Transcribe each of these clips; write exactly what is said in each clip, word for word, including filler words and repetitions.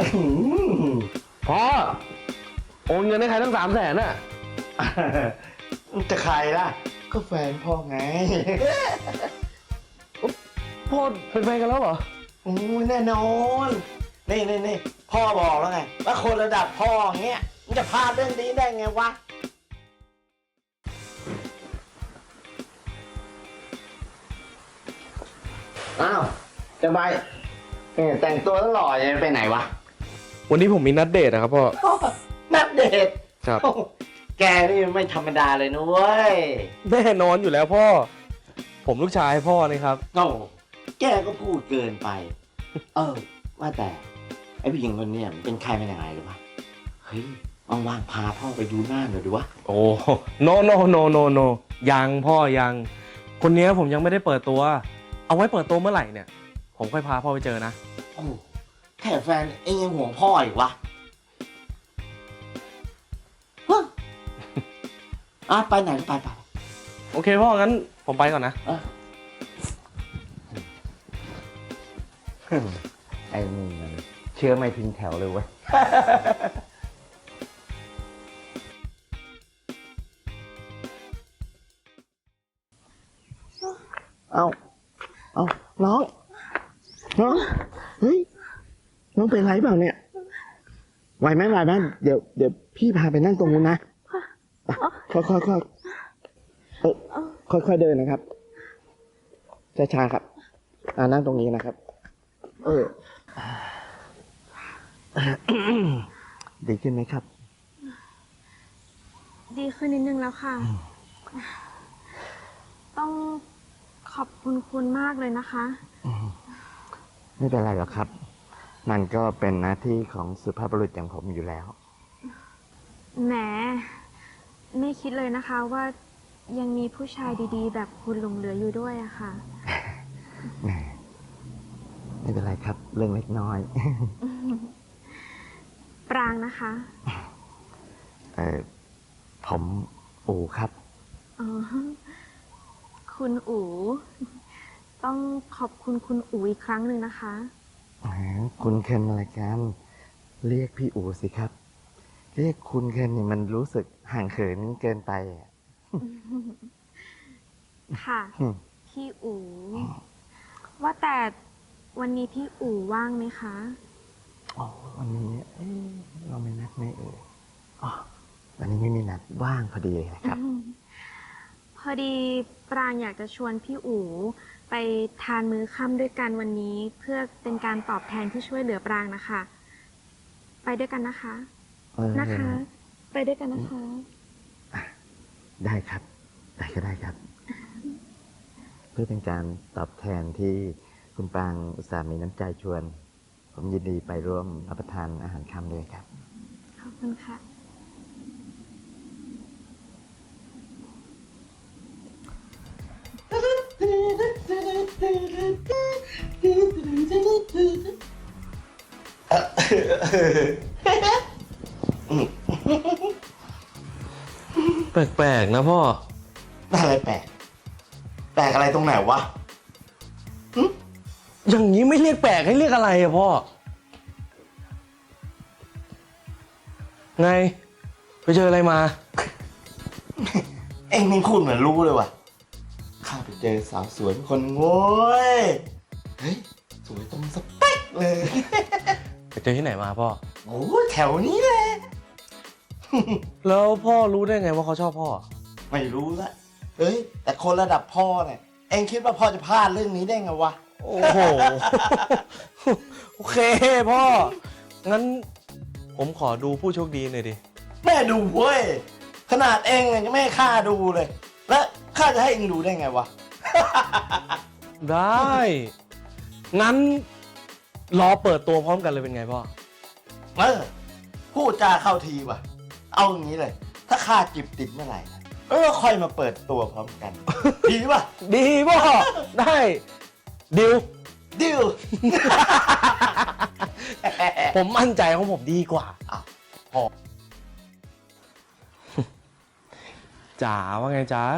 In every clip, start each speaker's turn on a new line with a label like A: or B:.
A: พ่อโอนเงินให้ใครตั้งสามแสนน่ะ
B: จะใครล่ะก็แฟนพ่อไง
A: พ่อเป็นแฟนกันแล้วเหรอ
B: โอ้ยแน่นอนนี่นี่นี่พ่อบอกแล้วไงว่าคนระดับพ่อเงี้ยมันจะพลาดเรื่องนี้ได้ไงวะอ้าวจะไปแต่งตัวแล้วหล่อจะไปไหนวะ
A: วันนี้ผมมีนัดเดทนะครับพ่อ
B: นัดเดท
A: ครับ
B: แกนี่ไม่ธรรมดาเลยนุ้ย
A: แน่นอนอยู่แล้วพ่อผมลูกชายพ่อนี่ครับ
B: โอ้แกก็พูดเกินไปเออว่าแต่ไอ้ผู้หญิงคนนี้เป็นใครเป็นยังไงหรือวะเฮ้ยว่างๆพาพ่อไปดูหน้าหน่อยดูวะ
A: โอ้โนโนโนโนโนยังพ่อยังคนนี้ผมยังไม่ได้เปิดตัวเอาไว้เปิดตัวเมื่อไหร่เนี่ยผมค่อยพาพ่อไปเจอนะ
B: โอ้แค่แฟนเองยังห่วงพ่ออีกวะอ่ะไปไหนไปไป
A: โอเคพ่องั้นผมไปก่อนนะ
B: ไอ้นี่มันเชื่อไม่ทิ้งแถวเลยเว้ยเอาเอาน้องน้องเฮ้ยน้องเป็นไรเปล่าเนี่ยไหวไหมไหวไหมเดี๋ยวเดี๋ยวพี่พาไปนั่งตรงนู้นนะค่อยค่อยค่อยค่อยค่อยเดินนะครับช้าๆครับอ่านั่งตรงนี้นะครับเออดีขึ้นไหมครับ
C: ดีขึ้นนิดนึงแล้วค่ะต้องขอบคุณคุณมากเลยนะคะ
B: ไม่เป็นไรหรอกครับมันก็เป็นหน้าที่ของสุภาพบุรุษอย่างผมอยู่แล้ว
C: แหมไม่คิดเลยนะคะว่ายังมีผู้ชายดีๆแบบคุณหลงเหลืออยู่ด้วยอะค่ะ
B: แหมไม่เป็นไรครับเรื่องเล็กน้อย
C: ปรางนะคะ
B: เออผมอู๋ครับ
C: อ๋อคุณอู๋ต้องขอบคุณคุณอู๋อีกครั้งหนึ่งนะคะ
B: คุณเคนอะไรกันเรียกพี่อู๋สิครับเรียกคุณเคนนี่มันรู้สึกห่างเขินเกินไป
C: ค่ะพี่อู๋ว่าแต่วันนี้พี่อู๋ว่างไหมคะ
B: อ๋อวันนี้เราไม่นัดไม่เอ่ยอ๋อวันนี้ไม่มีนัดว่างพอดีเลยนะครับ
C: พอดีปรางอยากจะชวนพี่อู๋ไปทานมื้อค่ำด้วยกันวันนี้เพื่อเป็นการตอบแทนที่ช่วยเหลือปรางนะคะไปด้วยกันนะคะนะคะไปด้วยกันนะคะ
B: ได้ครับได้ก็ได้ครับเพื่อเป็นการตอบแทนที่คุณปรางอุตส่าห์มีน้ำใจชวนผมยินดีไปร่วมรับประทานอาหารค่ำด้วยครับ
C: ขอบคุณค่ะ
A: แปลกๆนะพ่อ
B: อะไรแปลกแปลกอะไรตรงไหนวะ
A: อย่างนี้ไม่เรียกแปลกให้เรียกอะไรอะพ่อไงไปเจออะไรมา
B: เอ็งนี่พูดเหมือนรู้เลยว่ะข้าไปเจอสาวสวยคนโว้ยเฮ้ยสวยตรงสเปคเลย
A: ไปเจอที่ไหนมาพ่อ
B: โอ้แถวนี้แหละ
A: แล้วพ่อรู้ได้ไงว่าเขาชอบพ่อ
B: ไม่รู้ละเฮ้ยแต่คนระดับพ่อเนี่ยเอ็งคิดว่าพ่อจะพลาดเรื่องนี้ได้ไงวะ
A: โอ้โหโอเคพ่องั้นผมขอดูผู้โชคดีหน่อยดิ
B: แม่ดูเว้ยขนาดเอ็งยังไม่ให้ข้าดูเลยแล้วข้าจะให้เอ็งดูได้ไงวะ
A: ได้งั้นรอเปิดตัวพร้อมกันเลยเป็นไงพ่อ
B: เออพูดจาเข้าทีว่ะเอาอย่างนี้เลยถ้าข้าจิบติดเมื่อไหร่เออค่อยมาเปิดตัวพร้อมกันดีป่ะ
A: ดีพ่อได้ดิว
B: ดิว
A: ผมมั่นใจของผมดีกว่า
B: พอ
A: จ๋าว่าไงจ๋า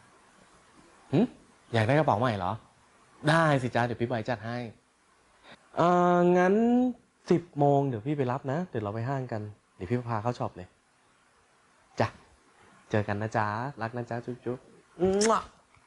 A: หึอยากได้กระเป๋าใหม่เหรอได้สิจ้าเดี๋ยวพี่ใบจัดให้เอองั้นสิบโมงเดี๋ยวพี่ไปรับนะ เดี๋ยวเราไปห้างกัน เดี๋ยวพี่พาเข้าช็อปเลย จ้ะ เจอกันนะจ๊ะ รักนะจ๊ะ จุ๊บจุ๊บมั่ว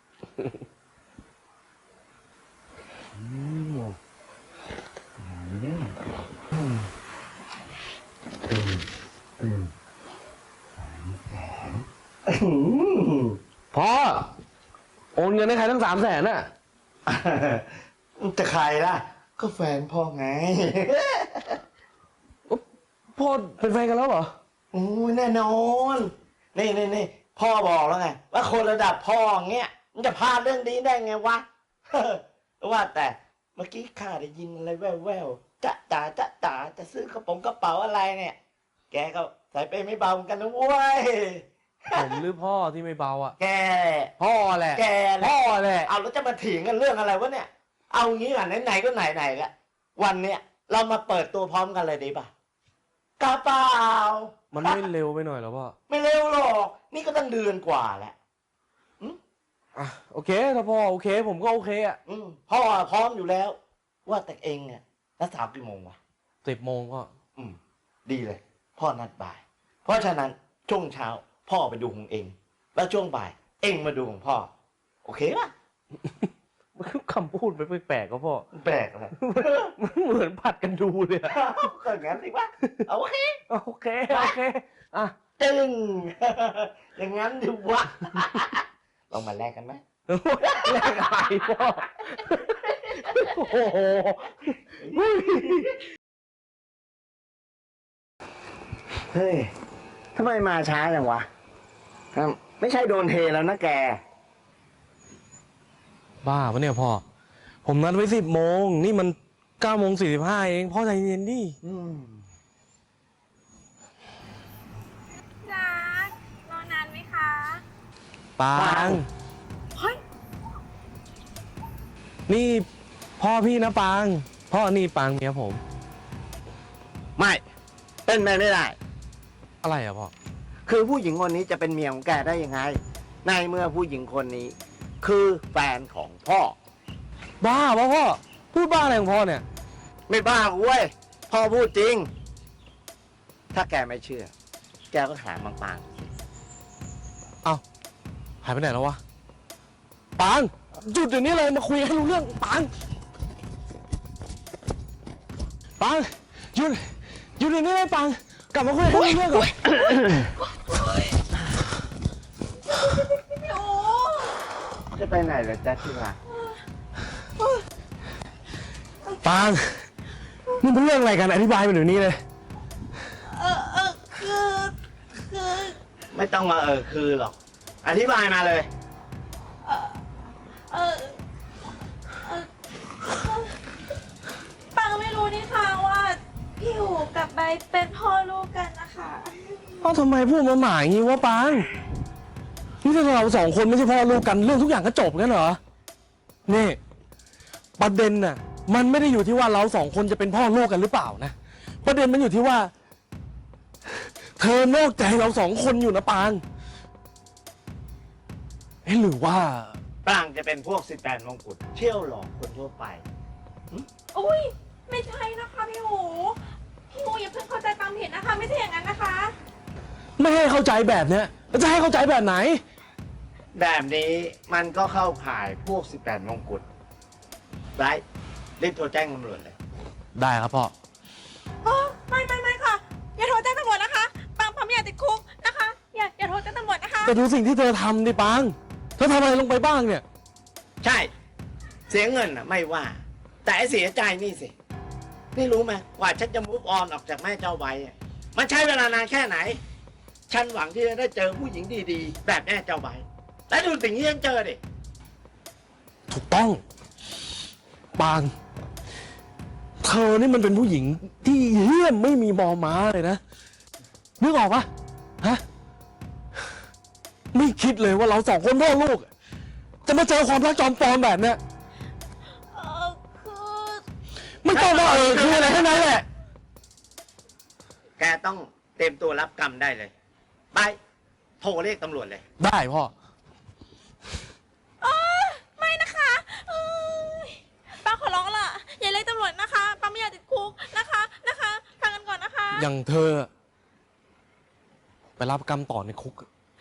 A: พ่อ โอนเงินให้ใครตั้งสามแสนน่ะ
B: จะใครล่ะ ก็แฟนพ่อไง
A: พ่อเป็นแฟนกันแล้วเหรอ
B: โอ้ยแน่นอน นี่นี่นี่พ่อบอกแล้วไง ว่าคนระดับพ่ออย่างเงี้ยมันจะพลาดเรื่องนี้ได้ไงวะ ว่าแต่เมื่อกี้ข้าได้ยินอะไรแว่วๆจะจ๋าจะจ๋าจะซื้อกระป๋องกระเป๋าอะไรเนี่ย แกก็ใส่ไปไม่เบาเหมือนกันนะเว้ย
A: ผมหรือพ่อที่ไม่เบาอ่ะ
B: แก
A: พ่อแหละ
B: แกแหละ
A: พ่อแหละ
B: เอาแล้วจะมาเถียงกันเรื่องอะไรวะเนี่ย เอางี้ก่อนไหนๆก็ไหนๆละวันเนี้ยเรามาเปิดตัวพร้อมกันเลยดีป่ะกระเป๋า
A: มันไม่เร็วไปหน่อยเหรอพ่อ
B: ไม่เร็วหรอก นี่ก็ตั้งเดือนกว่าแล้ว
A: อ่ะโอเคถ้าพ่อโอเค ผมก็โอเคอ่ะ
B: อืมพ่อพร้อมอยู่แล้ว ว่าแต่เองอ่ะนัดสาวกี่โมงวะ
A: สิบโมงพ่อ
B: อืม ดีเลย พ่อนัดบ่าย เพราะฉะนั้นช่วงเช้า พ่อไปดูของเอง แล้วช่วงบ่าย เองมาดูของพ่อ โอเคป่ะ
A: คำพูดไม่แปลกๆก็พ่อ
B: แปลกเลย
A: มันเหมือนผัดกันดูเลยอะ
B: ก็งั้นสิวะโอเค
A: โอเค โอเค อ่ะ
B: จึง อย่างนั้นดิวะ ลองมาแลกกันไหม
A: แลกอะไรพ่อ โอ้โห
B: เฮ้ยทำไมมาช้าจังวะอ่ะไม่ใช่โดนเทแล้วนะแก
A: บ้าปะเนี่ยพ่อ ผมนัดไว้สิบโมง นี่มันเก้าโมงสี่สิบห้าเอง พ่อใจเย็นดิ
B: อืม
C: จักรอนานไหมคะ
A: ปาง
C: เฮ้ย
A: นี่พ่อพี่นะปาง พ่อนี่ปางเมียผม
B: ไม่ เป็นไปไม่ได้
A: อะไรอะพ่อ
B: คือผู้หญิงคนนี้จะเป็นเมียของแกได้ยังไง ในเมื่อผู้หญิงคนนี้ คือแฟนของพ่อ
A: บ้าปะพ่อ พูดบ้าอะไรของพ่อเนี่ย
B: ไม่บ้าเว้ย พ่อพูดจริง ถ้าแกไม่เชื่อ แกก็หาบางปาง
A: เอ้า หายไปไหนแล้ววะ ปาง หยุดเดี๋ยวนี้เลยมาคุยให้รู้เรื่อง ปาง ปาง หยุด หยุดเดี๋ยวนี้เลยปาง กลับมาคุยให้รู้เรื่องก่อน
B: จะไปไหนเหรอจ๊ะที่รัก
A: ปาง นี่เป็นเรื่องอะไรกัน อธิบายมาเดี๋ยวนี้เลย
D: เออเออคือคือ
B: ไม่ต้องมาเออคือหรอก อธิบายมาเลย
D: เออเออเออปังไม่รู้นี่ค่ะว่าพี่หูกับใบเป็นพ่อลูกกันนะคะ
A: พ่อทำไมพูดมาหมายอย่างนี้วะปาง นี่ถ้าเราสองคนไม่ใช่พ่อลูกกันเรื่องทุกอย่างก็จบกันเหรอ นี่ประเด็นน่ะ มันไม่ได้อยู่ที่ว่าเราสองคนจะเป็นพ่อลูกกันหรือเปล่านะ ประเด็นมันอยู่ที่ว่า เธอนอกใจเราสองคนอยู่นะปางเอ๊ะหรือว่า
B: ปรางจะเป็นพวกสิบแปดมงกุฎเชี่ยวหลอกคนทั่วไป
D: อุ้ยไม่ใช่นะคะพี่หูพี่หูอย่าเพิ่งเข้าใจตามผิดนะคะ ไม่ใช่อย่างนั้นนะคะ
A: ไม่ให้เข้าใจแบบเนี้ยแล้วจะให้เข้าใจแบบไหน
B: แบบนี้มันก็เข้าข่ายพวกสิบแปดมงกุฎไร้รีบโทรแจ้งตำรวจเลย
A: ได้ครับพ่อ
D: อ๋อไม่ไม่ไม่ค่ะ อย่าโทรแจ้งตำรวจนะคะปังปังไม่อยากติดคุกนะคะ อย่าอย่าโทรแจ้งตำรวจนะคะ
A: แต่ดูสิ่งที่เธอทำดิปางเธอทำอะไรลงไปบ้างเนี่ย
B: ใช่ เสียเงินอ่ะ ไม่ว่า แต่ไอ้เสียใจนี่สิ นี่รู้ไหมกว่าฉันจะมุกออนออกจากแม่เจ้าใบอะมันใช้เวลานานแค่ไหน ฉันหวังที่จะได้เจอผู้หญิงดีๆ แบบแม่เจ้าใบ และดูสิ่งที่ฉันเจอดิ
A: ถูกต้อง ปาง เธอนี่มันเป็นผู้หญิงที่เหี้ยมไม่มีบอม้าเลยนะ นึกออกปะฮะ ไม่คิดเลยว่าเราสองคนพ่อลูก จะมาเจอความรักจอมปลอมแบบเนี้ย
D: เออคือ
A: ไม่ต้องมาเออคืออะไรทั้งนั้นแหละ
B: แกต้องเตรียมตัวรับกรรมได้เลย ไป โทรเรียกตำรวจเลย
A: ได้พ่อ
D: เออไม่นะคะเอ้ยปังขอร้องล่ะ อย่าเรียกตำรวจนะคะปัง
A: อย่างเธอ ไปรับกรรมต่อในคุก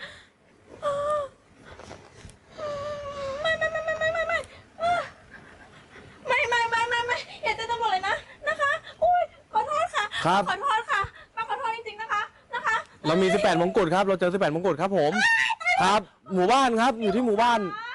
D: ไม่ไม่ไม่ไม่ไม่ไม่ไม่ไม่ไม่ไม่ไม่ไม่อย่าแจ้งตำรวจเลยนะนะคะอุ้ยขอโทษค่ะ
A: ครับ
D: ขอโทษค่ะป้าขอโทษจริงๆนะคะนะคะ
A: เรามีสิบแปดมงกุฎครับ เราเจอสิบแปดมงกุฎครับผม ครับ หมู่บ้านครับ อยู่ที่หมู่บ้าน
D: ป้า